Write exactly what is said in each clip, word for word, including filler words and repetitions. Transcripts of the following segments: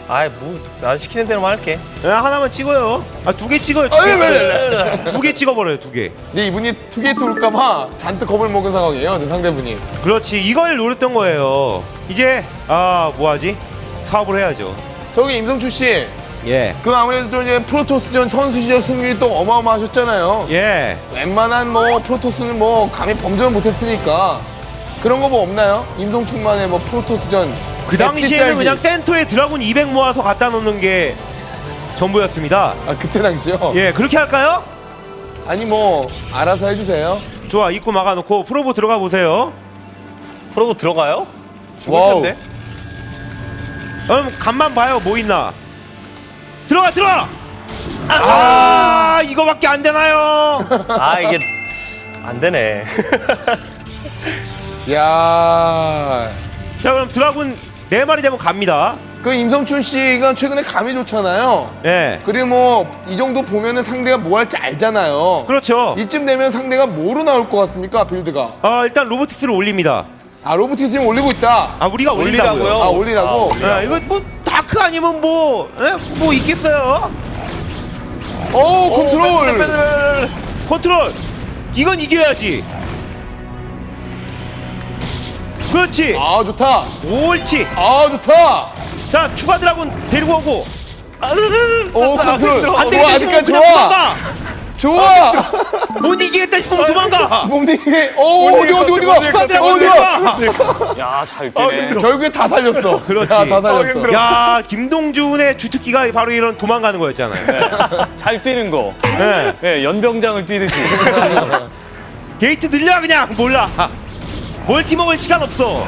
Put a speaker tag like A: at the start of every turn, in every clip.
A: 아이 뭐 난 시키는 대로만 할게.
B: 야, 하나만 찍어요. 아, 두 개 찍어요. 두 개 두 개 찍어버려요, 두 개.
C: 근데 이분이 투게이트 올까봐 잔뜩 겁을 먹은 상황이에요, 저 상대분이.
B: 그렇지, 이걸 노렸던 거예요. 이제 아, 뭐하지? 사업을 해야죠.
C: 저기 임성추 씨,
B: 예,
C: 그 아무래도 또 이제 프로토스전 선수 시절 승률이 또 어마어마하셨잖아요.
B: 예.
C: 웬만한 뭐 프로토스는 뭐 감히 범접을 못했으니까 그런 거 뭐 없나요? 임성춘만의 뭐 프로토스전.
B: 그 당시에는 그냥 센터에 드라군 이백 모아서 갖다 놓는 게 전부였습니다.
C: 아 그때 당시요?
B: 예, 그렇게 할까요?
C: 아니 뭐 알아서 해주세요.
B: 좋아, 입구 막아놓고 프로보 들어가 보세요.
A: 프로보 들어가요? 죽을
C: 와우.
A: 텐데.
B: 그럼 간만 봐요, 뭐 있나. 들어가, 들어가. 아, 이거밖에 안 되나요?
A: 아 이게 안 되네.
C: 야,
B: 자, 그럼 드라군 네 마리 되면 갑니다.
C: 그 임성춘 씨가 최근에 감이 좋잖아요.
B: 예,
C: 그리고 뭐 이 정도 보면은 상대가 뭐 할지 알잖아요.
B: 그렇죠.
C: 이쯤 되면 상대가 뭐로 나올 것 같습니까, 빌드가?
B: 아, 일단 로보틱스를 올립니다.
C: 아 로보틱스 지금 올리고 있다.
B: 아, 우리가 올린다고요?
A: 올리라고요?
C: 아 올리라고?
B: 야, 이거 뭐 다크 아니면 뭐, 예? 뭐 있겠어요?
C: 오 컨트롤.
B: 오, 컨트롤. 이건 이겨야지. 그렇지.
C: 아 좋다.
B: 옳지.
C: 아 좋다.
B: 자, 추가 드라군 데리고 오고.
C: 오 컨트롤.
B: 안
C: 좋아
B: 되겠다 싶으면
C: 아직까지
B: 그냥
C: 좋아.
B: 도망가.
C: 좋아.
B: 못 이기겠다 싶으면 도망가.
C: 몽딩. 오 어디 어디 어디가?
B: 추가 드라군
C: 어디가?
B: 데리고
A: 야잘 뛰네.
C: 결국에 다 살렸어.
B: 그렇지.
C: 야, 다 살렸어.
B: 야, 김동준의 주특기가 바로 이런 도망가는 거였잖아요.
A: 잘 뛰는 거.
B: 네.
A: 네, 연병장을 뛰듯이.
B: 게이트 늘려 그냥. 몰라. 멀티 먹을 시간 없어.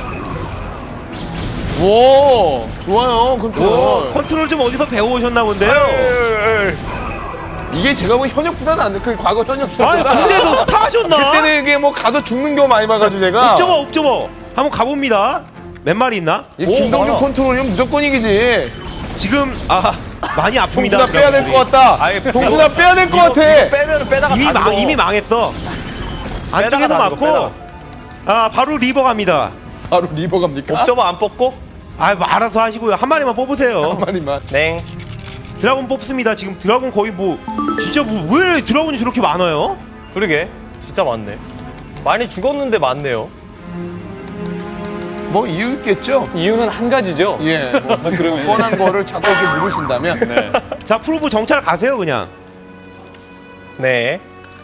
C: 오 좋아요 컨트롤.
B: 오, 컨트롤 좀 어디서 배워오셨나 본데요.
C: 이게 제가 보기 현역보다는 안 돼. 그 과거 현역
B: 아니,
C: 시절보다.
B: 근데도 스타 하셨나?
C: 그때는 이게 뭐 가서 죽는 거 많이 봐가지고 제가.
B: 옵저버, 옵저버. 한번 가봅니다. 몇 마리 있나?
C: 이
A: 오,
C: 김동준
A: 많아.
C: 컨트롤이면 무조건 이기지.
B: 지금 아 많이 아픕니다.
C: 동준아 빼야 될 것 같다.
A: 아예
C: 동준아 빼야 될 것 같아.
A: 빼면은 빼다가
B: 이미
A: 다
B: 망
A: 죽어.
B: 이미 망했어. 안쪽에서
A: 빼다가 다
B: 맞고.
A: 죽어,
B: 아, 바로 리버 갑니다.
C: 바로 리버 갑니까?
A: 옵저버 안 뽑고?
B: 아, 뭐 알아서 하시고요. 한 마리만 뽑으세요.
C: 한 마리만.
A: 냉.
B: 드라곤 뽑습니다. 지금 드라곤 거의 뭐 진짜 뭐 왜 드라곤이 저렇게 많아요?
A: 그러게 진짜 많네. 많이 죽었는데 많네요.
C: 뭐 이유 있겠죠?
A: 이유는 한 가지죠.
C: 예. 뭐 사실 뭐 뻔한 거를 자꾸 이렇게 물으신다면.
A: 네.
B: 자, 프로브 정찰 가세요 그냥.
A: 네.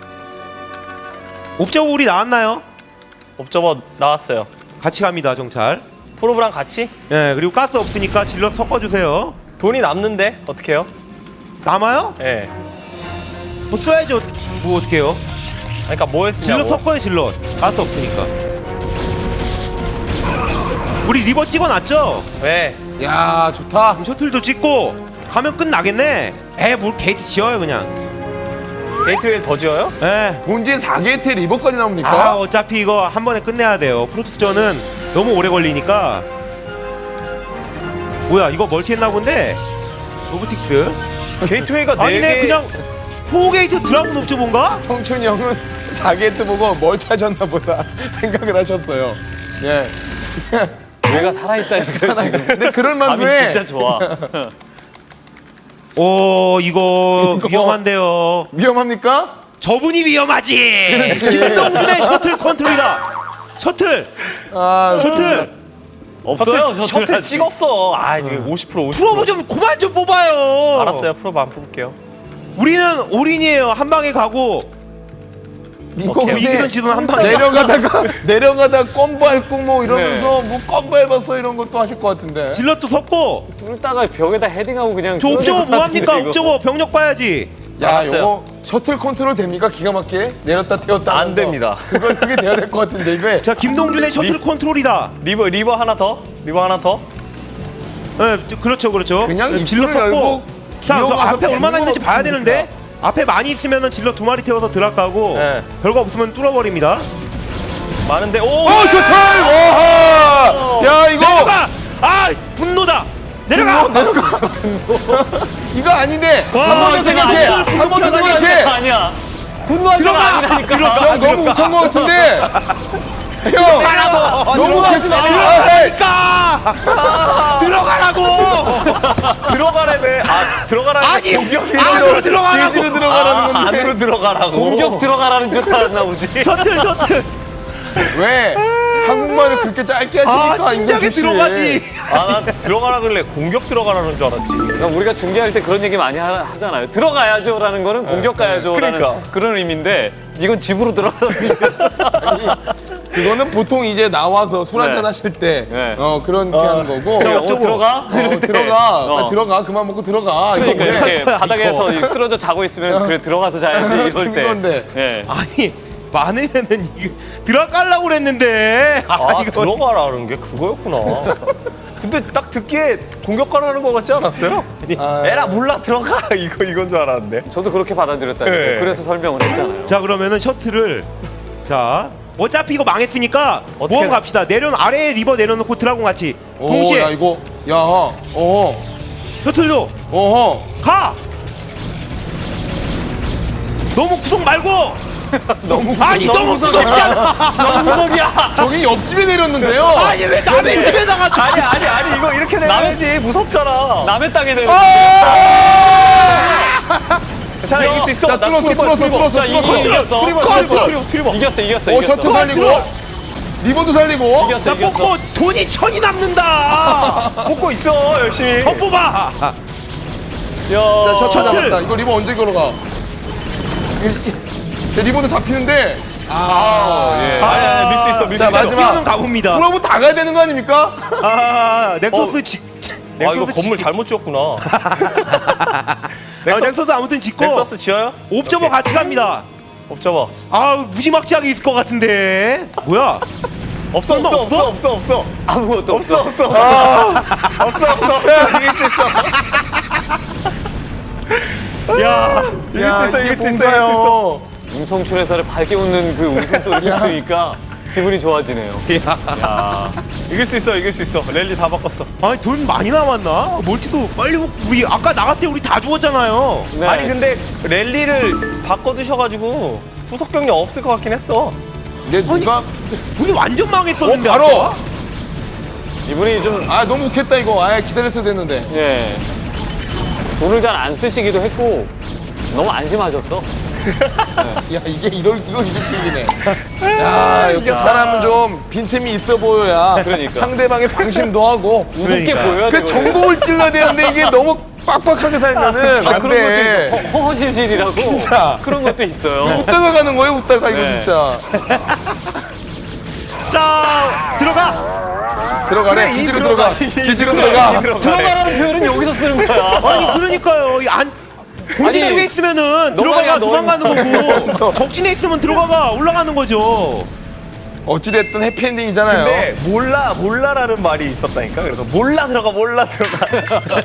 B: 옵저버 우리 나왔나요?
A: 옵저버 나왔어요.
B: 같이 갑니다 정찰.
A: 프로브랑 같이?
B: 예, 그리고 가스 없으니까 질러 섞어주세요.
A: 돈이 남는데 어떡해요?
B: 남아요?
A: 예. 네.
B: 뭐 써야죠. 뭐 어떡해요?
A: 그러니까 뭐
B: 질러
A: 했으냐고.
B: 섞어요 질러. 가스 없으니까. 우리 리버 찍어놨죠?
A: 왜?
C: 야 좋다.
B: 그럼 셔틀도 찍고 가면 끝나겠네. 에, 뭘 게이트 지어요 그냥.
A: 게이트웨이 더 지어요?
B: 에.
C: 본진 사 게이트에 리버까지
B: 아,
C: 나옵니까?
B: 어차피 이거 한 번에 끝내야 돼요. 프로토스전은 너무 오래 걸리니까. 뭐야, 이거 멀티했나 본데? 로보틱스.
A: 게이트웨이가 네
B: 아니네,
A: 개.
B: 그냥 포게이트 드라군 옵저본가?
C: 성춘이 형은 사 게이트 보고 멀티 하셨나 보다 생각을 하셨어요. 예.
A: 뇌가 살아있다니까 지금.
C: 근데 그럴 만도
A: 감이
C: 해.
A: 진짜 좋아.
B: 오, 이거,
C: 이거.
B: 위험한데요.
C: 위험합니까?
B: 저분이 위험하지.
C: 그렇지.
B: 김동준의 셔틀 컨트롤이다. 셔틀,
C: 아,
B: 셔틀.
A: 없어요.
B: 셔틀,
A: 셔틀,
B: 셔틀
A: 찍었어. 아 지금 오십 퍼센트 오십 퍼센트.
B: 프로브 좀 그만 좀 뽑아요.
A: 알았어요. 프로브 안 뽑을게요.
B: 우리는 올인이에요. 한 방에 가고.
C: 이거
B: 뭐 이기던 지도는 한 방에
C: 내려가다가 내려가다 껌 밟고 뭐 이러면서 뭐 껌 밟았어 이런 것도 하실 것 같은데.
B: 질럿도 섰고.
A: 뚫다가 벽에다 헤딩하고 그냥.
B: 저 옵저버
A: 쓰러질 것
B: 뭐합니까?
A: 같은데, 이거.
B: 옵저버 병력 봐야지.
C: 야,
A: 알았어요.
C: 요거 셔틀 컨트롤 됩니까? 기가 막히게 내렸다 태웠다.
A: 안
C: 하면서.
A: 됩니다.
C: 그걸 그게 돼야 될 것 같은데 이거.
B: 자, 김동준의 셔틀 컨트롤이다.
A: 리버 리버 하나 더. 리버 하나 더.
B: 네, 그렇죠, 그렇죠.
C: 그냥
B: 네, 질럿
C: 입구를 열고
B: 섰고. 자, 저
C: 기어가서
B: 앞에 얼마나 있는지
C: 뱅구가
B: 봐야
C: 없습니까?
B: 되는데. 앞에 많이 있으면은 질럿 두 마리 태워서 드랍가고.
A: 네.
B: 별거 없으면 뚫어버립니다.
A: 많은데 오.
C: 어, 셔틀! 와! 야, 이거
B: 내려가! 아, 분노다. 내려가.
C: 내려가. 이거 아닌데.
B: 와,
C: 한 번 더
B: 이거
C: 생각해.
B: 아니야.
C: 한 번 더
A: 분노하는
C: 생각해.
A: 게 아니야. 분노할 때가
B: 들어가.
A: 아니라니까.
B: 들어가.
C: 형 너무 못한 것 같은데. 형
B: 들어가라고.
C: 너무
B: 들어가.
C: 계속 내려가.
B: 들어가라니까. 들어가라고.
A: 들어가라는
B: 아니
A: 공격
B: 안으로 들어가라고.
C: 뒤로 들어가라는 건데.
A: 안으로 들어가라고.
D: 공격 들어가라는 줄 알았나 보지.
B: 셔틀 셔틀.
C: 왜 한국말을 그렇게 짧게 하시니까
B: 아 진작에
C: 임성춘 씨.
B: 들어가지.
A: 아난 들어가라 그래 공격 들어가라는 줄 알았지.
D: 그러니까 우리가 중계할 때 그런 얘기 많이 하, 하잖아요. 들어가야죠라는 거는 공격 가야죠라는
A: 그러니까.
D: 그런 의미인데 이건 집으로 들어가라는 의미가.
C: 그거는 보통 이제 나와서 술 한잔
D: 네.
C: 하실 때
D: 네.
C: 어, 그렇게 하는 거고.
D: 어, 들어가?
C: 어, 들어가.
D: 어.
C: 빨리 들어가. 그만 먹고 들어가.
D: 그러니까
C: 이거 왜?
D: 이렇게 바닥에서 쓰러져 자고 있으면 그래 들어가서 자야지 이럴 때.
C: 그건데.
D: 예.
B: 아니 많으면은 이거 들어가려고 그랬는데.
A: 아,
B: 아, 이거
A: 들어가라는 게 그거였구나. 근데 딱 듣기에 공격 가라는 거 같지 않았어요? 아니,
C: 아.
A: 에라 몰라 들어가 이거 이건 줄 알았는데.
D: 저도 그렇게 받아들였다니까요.
A: 네.
D: 그래서 설명을 했잖아요.
B: 자 그러면은 셔틀을 자 어차피 이거 망했으니까
A: 어떻게
B: 모험
A: 나-
B: 갑시다. 내려 아래에 리버 내려놓고 드라곤 같이
C: 오,
B: 동시에
C: 야 이거 야, 어,
B: 셔틀도
C: 어,
B: 가. 너무 구속 말고. 너무 아니 너무 구속이야.
D: 너무 무섭이야.
C: 저기 옆집에 내렸는데요.
B: 아니 왜 남의 집에다가
A: 아니 아니 아니 이거 이렇게 내야지 무섭잖아.
D: 남의 땅에 내려.
A: 괜찮아 이길 수 있어.
C: 자,
A: 나
C: 뚫었어,
A: 투리버,
C: 뚫었어,
A: 투리버.
C: 뚫었어,
D: 자, 이거
C: 뚫었어.
D: 이겼어.
A: 투리버
C: 뚫었어.
A: 투리버 투리버 투리버.
D: 이겼어, 이겼어,
C: 어,
D: 이겼어.
C: 셔틀 살리고 리본도 살리고.
D: 이겼어,
B: 자
D: 이겼어.
B: 뽑고 돈이 천이 남는다.
A: 뽑고 있어 열심히.
B: 더 뽑아.
C: 자,
D: 야,
C: 셔틀
B: 셔틀.
C: 잡았다. 이거 리본 언제 걸어가? 이- 이- 저 리본도 잡히는데.
A: 아, 아, 밀 수 있어 밀 수
C: 자,
A: 있어.
C: 마지막.
B: 뛰어는 가봅니다.
C: 그러면 다 가야 되는 거 아닙니까?
B: 아 넥서스
A: 어.
B: 지.
A: 아 이거
B: 넥서스
A: 건물
B: 지-
A: 잘못 지었구나.
B: 아,
A: 넥서스,
B: 넥서스 아무튼 짓고
A: 넥서스 지어요?
B: 옵저버 같이 갑니다.
A: 옵저버.
B: 아 무지막지하게 있을 것 같은데. 뭐야?
A: 없어 없어 없어 없어 없어.
D: 아무것도
A: 없어
D: 없어.
A: 없어. 없어 없어 없어. 이길 수 있어.
B: 야.
A: 이길 수 있어 이길 수 있어 이길 수 있어.
D: 임성춘 해설의 밝게 웃는 그 웃음소리를 들으니까 기분이 좋아지네요. 야.
A: 이길 수 있어 이길 수 있어. 랠리 다 바꿨어.
B: 아니 돈 많이 남았나? 멀티도 빨리 먹- 우리 아까 나갔을 때 우리 다 죽었잖아요.
D: 네.
A: 아니 근데 랠리를 바꿔두셔가지고 후속 병력 없을 것 같긴 했어.
C: 근데 누가
B: 우리 완전 망했었는데.
C: 어, 바로.
B: 아까?
D: 이분이 좀
C: 아 너무 웃겠다 이거. 아 기다렸어야 됐는데.
D: 예. 돈을 잘 안 쓰시기도 했고 너무 안심하셨어.
C: 야 이게 이럴 이거 이길 팀이네. 야 역시 사람은 좀 빈틈이 있어 보여야
D: 그러니까.
C: 상대방의 방심도 하고
D: 우습게
B: 그러니까.
D: 보여야
C: 그
D: 되거든요.
C: 정보를 찔러야 되는데 이게 너무 빡빡하게 살면은
D: 아,
C: 안
D: 그런
C: 돼.
D: 것도 있고, 허허실실이라고
C: 진짜.
D: 그런 것도 있어요.
C: 웃다가 가는 거예요 웃다가 이거
D: 네.
C: 진짜.
B: 자 들어가.
C: 들어가래.
B: 그래, 이
C: 기지로
B: 들어가.
C: 들어가.
A: 이
C: 기지로
A: 들어가.
C: 들어가.
A: 이
D: 들어가라는 표현은 여기서 쓰는 거야.
B: 아니 그러니까요. 이 안. 본진
D: 아니,
B: 쪽에 있으면은
D: 너만이야,
B: 들어가가 도망가는
C: 너.
B: 거고 적진에 있으면 들어가가 올라가는 거죠.
C: 어찌됐든 해피엔딩이잖아요.
A: 근데 몰라 몰라라는 말이 있었다니까. 그래서 몰라 들어가 몰라 들어가.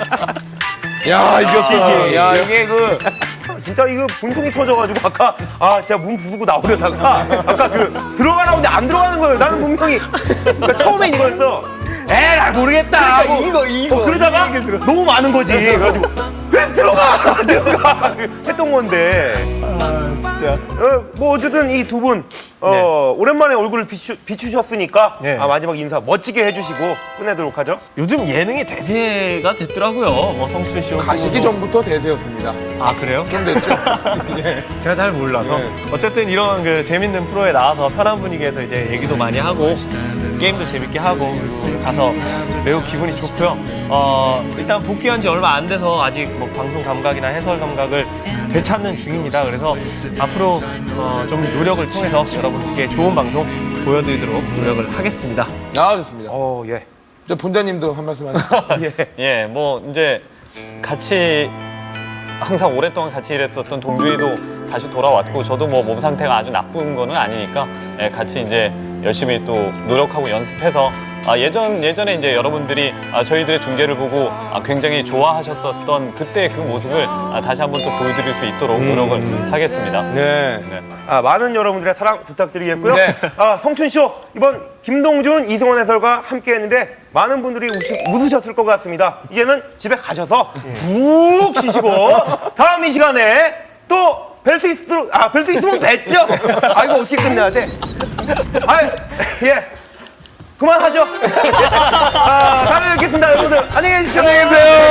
C: 야 이겼어.
B: 지지.
C: 야 이게 그
B: 진짜 이거 분통이 터져가지고 아까 아 제가 문 부수고 나오려다가 아까 그 들어가라고 근데 안 들어가는 거예요. 나는 분명히 그러니까 처음엔 이거였어. 에라 모르겠다.
A: 그러니까
B: 뭐,
A: 이거, 이거,
B: 어, 그러다가
A: 이 얘기를 들어.
B: 너무 많은 거지. 그래가지고 그래서 들어가 들어가 했던 건데.
A: 아 진짜.
B: 어, 뭐 어쨌든 이 두 분 어, 오랜만에 얼굴을 비추, 비추셨으니까
A: 네.
B: 아, 마지막 인사 멋지게 해주시고 끝내도록 하죠.
A: 요즘 예능이 대세가 됐더라고요. 뭐 성춘 씨
C: 가시기 전부터 대세였습니다.
A: 아 그래요?
C: 좀 됐죠.
A: 제가 잘 몰라서 어쨌든 이런 그 재밌는 프로에 나와서 편한 분위기에서 이제 얘기도 많이 하고 게임도 재밌게 하고 그리고 가서 매우 기분이 좋고요. 어 일단 복귀한 지 얼마 안 돼서 아직 뭐 방송 감각이나 해설 감각을 되찾는 중입니다. 그래서 앞으로 어, 좀 노력을 통해서 여러분께 좋은 방송 보여드리도록 노력을 하겠습니다.
C: 아 좋습니다.
B: 어 예.
C: 저 본자님도 한 말씀 하시죠.
D: 예, 뭐 이제 같이 항상 오랫동안 같이 일했었던 동준이도 다시 돌아왔고 저도 뭐 몸 상태가 아주 나쁜 거는 아니니까 예, 같이 이제 열심히 또 노력하고 연습해서 아, 예전 예전에 이제 여러분들이 아, 저희들의 중계를 보고 아, 굉장히 좋아하셨었던 그때 그 모습을 아, 다시 한번 또 보여드릴 수 있도록 노력을 하겠습니다.
B: 네.
D: 네.
B: 아, 많은 여러분들의 사랑 부탁드리겠고요.
C: 네.
B: 아, 성춘쇼 이번 김동준, 이승원 해설과 함께했는데 많은 분들이 웃으, 웃으셨을 것 같습니다. 이제는 집에 가셔서 푹 쉬시고 다음 이 시간에 또 뵐 수 있도록 아, 뵐 수 있으면 뵙죠. 아, 이거 어떻게 끝내야 돼? 아, 예. 그만하죠. 아, 다음에 뵙겠습니다, 여러분들. 안녕히 계십시오.
C: 안녕히 계세요.